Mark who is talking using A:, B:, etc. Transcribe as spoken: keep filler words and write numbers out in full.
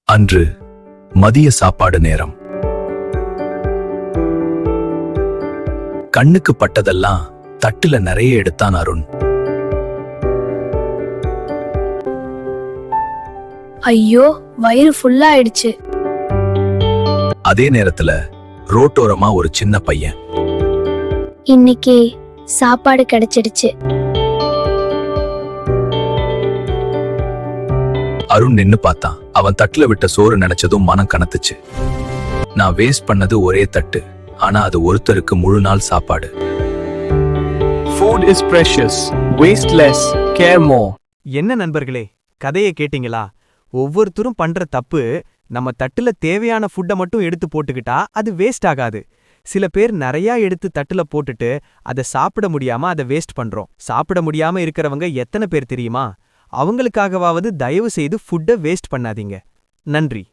A: அன்று மதிய சாப்பாடு நேரம். கண்ணுக்கு பட்டதெல்லாம் தட்டுல நிறைய எடுத்தான் அருண்.
B: ஐயோ, வயிறு ஃபுல்லா ஆயிடுச்சு.
A: அதே நேரத்துல ரோட்டோரமா ஒரு சின்ன பையன்,
B: இன்னைக்கு சாப்பாடு கிடைச்சிடுச்சு.
A: அருண் நின்னு பார்த்தான். அவன் தட்டுல விட்ட சோறு நினைச்சதும் மனம் கனத்துச்சு. நான் வேஸ்ட் பண்ணது ஒரே தட்டு, ஆனா அது ஒருத்தருக்கு முழு நாள் சாப்பாடு.
C: Food is precious. Waste less. Care more.
D: என்ன நண்பர்களே, கதையை கேட்டீங்களா? ஒவ்வொருத்தரும் பண்ற தப்பு, நம்ம தட்டுல தேவையான ஃபுட்டை மட்டும் எடுத்து போட்டுக்கிட்டா அது வேஸ்ட் ஆகாது. சில பேர் நிறைய எடுத்து தட்டுல போட்டுட்டு அதை சாப்பிட முடியாம அதை வேஸ்ட் பண்றோம். சாப்பிட முடியாம இருக்கிறவங்க எத்தனை பேர் தெரியுமா? அவங்களுக்காகவாவது தயவு செய்து ஃபுட்டை வேஸ்ட் பண்ணாதீங்க. நன்றி.